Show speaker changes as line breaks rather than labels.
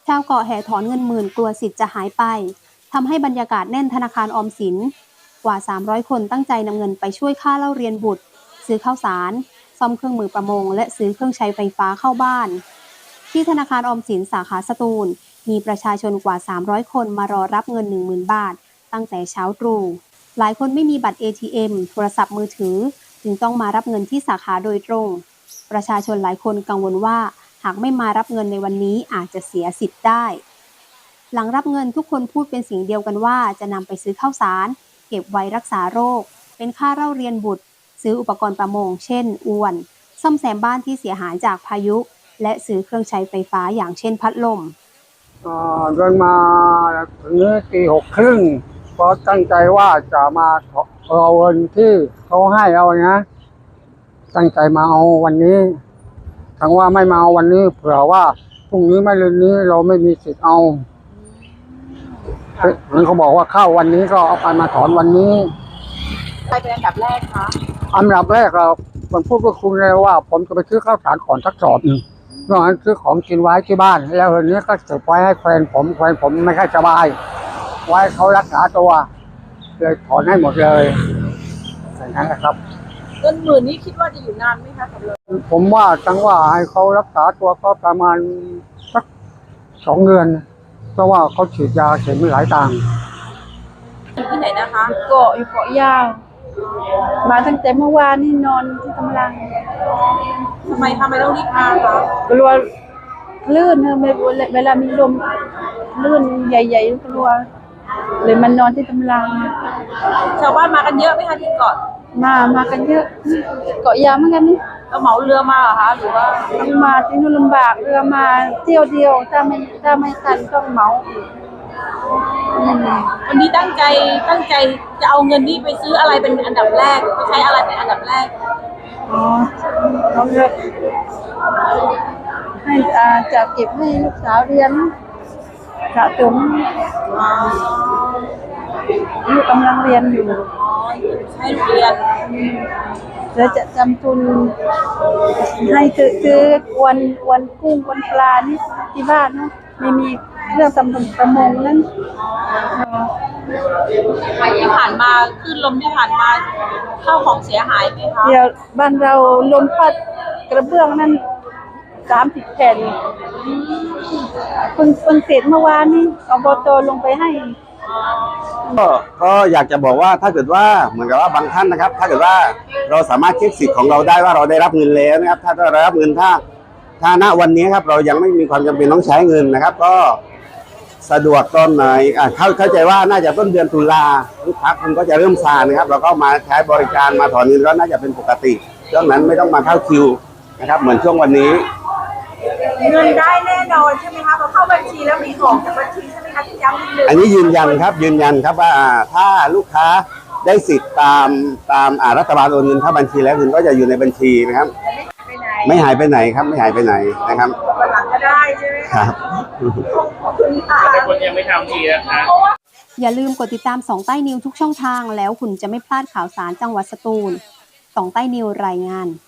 ชาวเกาะแห่ถอนเงินหมื่นกลัวสิทธิ์จะหายไปทำให้บรรยากาศแน่นธนาคารออมสินกว่า300คนตั้งใจนำเงินไปช่วยค่าเล่าเรียนบุตรซื้อข้าวสารซ่อมเครื่องมือประมงและซื้อเครื่องใช้ไฟฟ้าเข้าบ้านที่ธนาคารออมสินสาขาสตูลมีประชาชนกว่า300คนมารอรับเงิน 10,000 บาทตั้งแต่เช้าตรู่หลายคนไม่มีบัตร ATM โทรศัพท์มือถือจึงต้องมารับเงินที่สาขาโดยตรงประชาชนหลายคนกังวลว่าหากไม่มารับเงินในวันนี้อาจจะเสียสิทธิ์ได้หลังรับเงินทุกคนพูดเป็นเสียงเดียวกันว่าจะนำไปซื้อข้าวสารเก็บไว้รักษาโรคเป็นค่าเล่าเรียนบุตรซื้ออุปกรณ์ประมงเช่นอวนซ่อมแซมบ้านที่เสียหายจากพายุและซื้อเครื่องใช้ไฟฟ้าอย่างเช่นพัดลม
เดินมาถึงตี6:30เพราะตั้งใจว่าจะมาเอาเงินที่เขาให้เอานะตั้งใจมาเอาวันนี้ทั้งว่าไม่มาเอาวันนี้เผื่อว่าพรุ่งนี้ไม่เรือนนี้เราไม่มีสิทธิ์เอาเขาบอกว่าเข้าวันนี้ก็เอาไปมาถอนวันนี้
ใครเป็นอันดับแรกคะ
อันดับแรกเราผมพูดกับคุณเลยว่าผมจะไปซื้อข้าวสารก่อนสักสอบหนึ่งนอกนั้นซื้อของกินไว้ที่บ้านแล้ววันนี้ก็เก็บไว้ให้แฟนผมไม่ค่อยสบายไว้เขารักษาตัวเลยถอนให้หมดเลยอย่างนั้นนะครับ
เงินหมื่นนี้คิดว่าจะอยู่นานไหมคะกับเรา
ผมว่าจังว่าให้เขารักษาตัวก็ประมาณสัก2 เดือนเพราะว่าเขาฉีดยาเข็มหลายต่าง
ที่ไหนนะคะ
เกาะอยู่เกาะยาวมาตั้งแต่เมื่อวานนี่นอนที่กำลัง
ทำไมต้องรีบมาคะ
กลัวลื่นเวลามีลมลื่นใหญ่ๆกลัวเลยมันนอนที่กำลัง
ชาวบ้านมากันเยอะไหมคะที่เกาะ
มากันเยอะเกาะยาวเหมือนกันนี่
เราเหมาเรือมาเหรอคะหรือว่า
มาที่นู่นลำบากเรือมาเที่ยวเดียวถ้าไม่ทันต้องเหมา
วันนี้ตั้งใจจะเอาเงินนี้ไปซื้ออะไรเป็นอันดับแรกไปใช้อะไรเป็นอันดับแรก
เอาเลือกให้จะเก็บให้ลูกสาวเรียนสะสมลูกกำลังเรียนอยู่
ให้เรียน
แล้วจะจำทุนให้ซื้อวันกุ้งวันปลานี่ที่บ้านนะไม่มีเรื่องทำประมงนั้น
ที่ผ่านมาขึ้นลมที่ผ่านมาเข้าของเสียหายไหมคะ
เดี๋ยวบ้านเราลมพัดกระเบื้องนั้น30 แผ่นเพิ่งเสร็จเมื่อวานนี้อบต.ลงไปให้
ก็อยากจะบอกว่าถ้าเกิดว่าเหมือนกับว่าบางท่านนะครับถ้าเกิดว่าเราสามารถเช็คสิทธิ์ของเราได้ว่าเราได้รับเงินแล้วนะครับถ้าเราได้รับเงินถ้าณวันนี้ครับเรายังไม่มีความจำเป็นต้องใช้เงินนะครับก็สะดวกตอนไหนเข้าใจว่าน่าจะต้นเดือนตุลาลูกค้าคนก็จะเริ่มซานะครับเราก็มาใช้บริการมาถอนเงินก็น่าจะเป็นปกติช่วงนั้นไม่ต้องมาเข้าคิวนะครับเหมือนช่วงวันนี้
เงินได้แน่นอนใช่ไหมคะพอเข้าบัญชีแล้วมีของจากบัญชีใช่ไหมคะที่ย้ำนิดนึง
อันนี้ยืนยันครับว่าถ้าลูกค้าได้สิทธิ์ตามรัฐบาลโอนเงินเข้าบัญชีแล้วเงินก็จะอยู่ในบัญชีนะครับไม่หายไปไหนครับไม่หายไปไหนนะครับ
วันหลังก็ได้ใช่ไหม
ครับ
ขอบคุณค่ะ
แต่คนยังไม่ทำทีนะคะ
อย่าลืมกดติดตาม2 ใต้นิวทุกช่องทางแล้วคุณจะไม่พลาดข่าวสารจังหวัดสตูล2 ใต้นิวรายงาน